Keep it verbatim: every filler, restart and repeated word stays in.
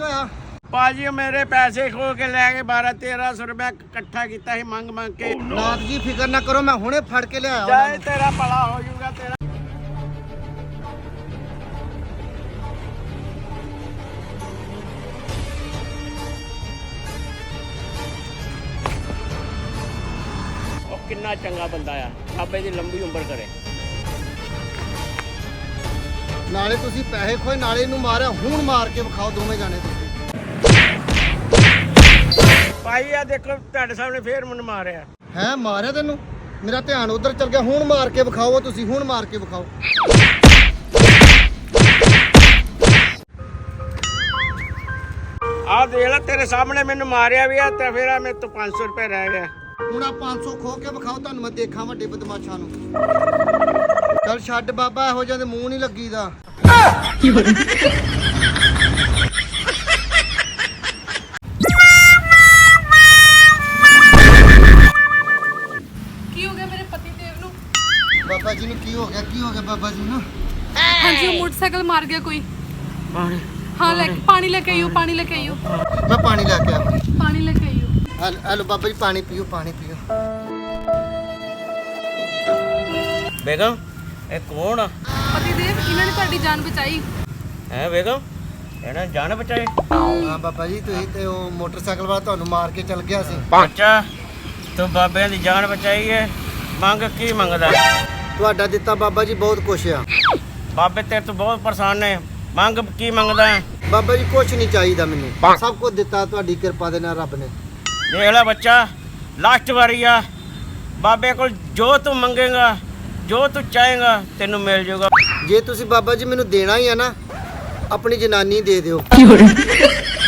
ਹੋਇਆ? ਭਾਜੀ ਮੇਰੇ ਪੈਸੇ ਖੋ ਕੇ ਲੈ ਕੇ ਬਾਰਾਂ ਤੇਰਾਂ ਸੌ ਰੁਪਏ ਇਕੱਠਾ ਕੀਤਾ ਸੀ ਮੰਗ ਮੰਗ ਕੇ। ਨਾਥ ਜੀ ਫਿਕਰ ਨਾ ਕਰੋ, ਮੈਂ ਹੁਣੇ ਫੜ ਕੇ ਲਿਆਇਆ ਉਹਨਾਂ ਜਾਏ ਨੂੰ। ਤੇਰਾ ਭਲਾ ਹੋ ਜਾਊਗਾ ਤੇਰਾ। ਉਹ ਕਿੰਨਾ ਚੰਗਾ ਬੰਦਾ ਆ, ਬਾਬੇ ਦੀ ਲੰਬੀ ਉਮਰ ਕਰੇ। ਨਾਲੇ ਤੁਸੀਂ ਪੈਸੇ ਖੋਏ, ਨਾਲੇ ਇਹਨੂੰ ਮਾਰਿਆ। ਹੁਣ ਮਾਰ ਕੇ ਵਿਖਾਓ ਦੋਵੇਂ ਜਾਣੇ ਤੁਸੀਂ। ਭਾਈ ਆ ਦੇਖੋ ਤੁਹਾਡੇ ਸਾਹਮਣੇ ਫੇਰ ਮੈਨੂੰ ਮਾਰਿਆ। ਹੈ ਮਾਰਿਆ ਤੈਨੂੰ? ਮੇਰਾ ਧਿਆਨ ਉਧਰ ਚੱਲ ਗਿਆ। ਹੁਣ ਮਾਰ ਕੇ ਵਿਖਾਓ ਤੁਸੀਂ, ਹੁਣ ਮਾਰ ਕੇ ਵਿਖਾਓ। ਆਹ ਦੇਖ ਲੈ ਤੇਰੇ ਸਾਹਮਣੇ ਮੈਨੂੰ ਮਾਰਿਆ ਵੀ ਆ ਤੇ ਫਿਰ ਆ ਮੇਰੇ ਤੋਂ ਪੰਜ ਸੌ ਰੁਪਏ ਰਹਿ ਗਿਆ। ਹੁਣ ਆ ਪੰਜ ਸੌ ਖੋ ਕੇ ਵਿਖਾਓ, ਤੁਹਾਨੂੰ ਮੈਂ ਦੇਖਾਂ ਵੱਡੇ ਬਦਮਾਸ਼ਾਂ ਨੂੰ। ਚੱਲ ਛੱਡ ਬਾਬਾ, ਇਹੋ ਜਿਹੇ ਦੇ ਮੂੰਹ ਨਹੀਂ ਲੱਗੀਦਾ। ਕੀ ਹੋ ਗਿਆ ਮੇਰੇ ਪਤੀ ਦੇਵ ਨੂੰ? ਬਾਬਾ ਜੀ ਨੂੰ ਕੀ ਹੋ ਗਿਆ? ਕੀ ਹੋ ਗਿਆ ਬਾਬਾ ਜੀ ਨੂੰ? ਹਾਂਜੀ ਉਹ ਮੋਟਰਸਾਈਕਲ ਮਾਰ ਗਿਆ ਕੋਈ। ਪਾਣੀ ਹਾਂ ਲੈ ਕੇ ਪਾਣੀ ਲੈ ਕੇ ਆਇਓ, ਪਾਣੀ ਲੈ ਕੇ ਆਇਓ, ਮੈਂ ਪਾਣੀ ਲੈ ਕੇ ਆਵਾਂ। ਪਾਣੀ ਲੈ ਕੇ ਆਇਓ। ਹਲੋ ਬਾਬਾ ਜੀ, ਪਾਣੀ ਪੀਓ, ਪਾਣੀ ਪੀਓ। ਬੇਗਮ ਇਹ ਕੌਣ ਆ? ਪਤੀ ਦੇਵ ਇਹਨਾਂ ਨੇ ਤੁਹਾਡੀ ਜਾਨ ਬਚਾਈ। ਹੈ ਬੇਗਮ ਇਹਨਾਂ ਜਾਨ ਬਚਾਏ? ਹਾਂ ਬਾਬਾ ਜੀ, ਤੁਸੀਂ ਤੇ ਉਹ ਮੋਟਰਸਾਈਕਲ ਵਾਲਾ ਤੁਹਾਨੂੰ ਮਾਰ ਕੇ ਚਲ ਗਿਆ ਸੀ। ਅੱਛਾ ਤੂੰ ਬਾਬੇ ਦੀ ਜਾਨ ਬਚਾਈ ਹੈ। ਮੰਗ ਕੀ ਮੰਗਦਾ? ਤੁਹਾਡਾ ਦਿੱਤਾ ਬਾਬਾ ਜੀ ਬਹੁਤ ਕੁਛ ਆ। ਬਾਬੇ ਤੇਰੇ ਤੋਂ ਬਹੁਤ ਪਰੇਸ਼ਾਨ ਨੇ, ਮੰਗ ਕੀ ਮੰਗਦਾ ਹੈ? ਬਾਬਾ ਜੀ ਕੁਛ ਨਹੀਂ ਚਾਹੀਦਾ ਮੈਨੂੰ, ਸਭ ਕੁਝ ਦਿੱਤਾ ਤੁਹਾਡੀ ਕਿਰਪਾ ਦੇ ਨਾਲ ਰੱਬ ਨੇ। ਦੇਖ ਲੈ ਬੱਚਾ, ਲਾਸਟ ਵਾਰੀ ਆ। ਬਾਬੇ ਕੋਲ ਜੋ ਤੂੰ ਮੰਗੇਗਾ, ਜੋ ਤੂੰ ਚਾਹੇਗਾ ਤੈਨੂੰ ਮਿਲ ਜਾਊਗਾ। ਜੇ ਤੁਸੀਂ ਬਾਬਾ ਜੀ ਮੈਨੂੰ ਦੇਣਾ ਹੀ ਆ ਨਾ, ਆਪਣੀ ਜਨਾਨੀ ਦੇ ਦਿਓ।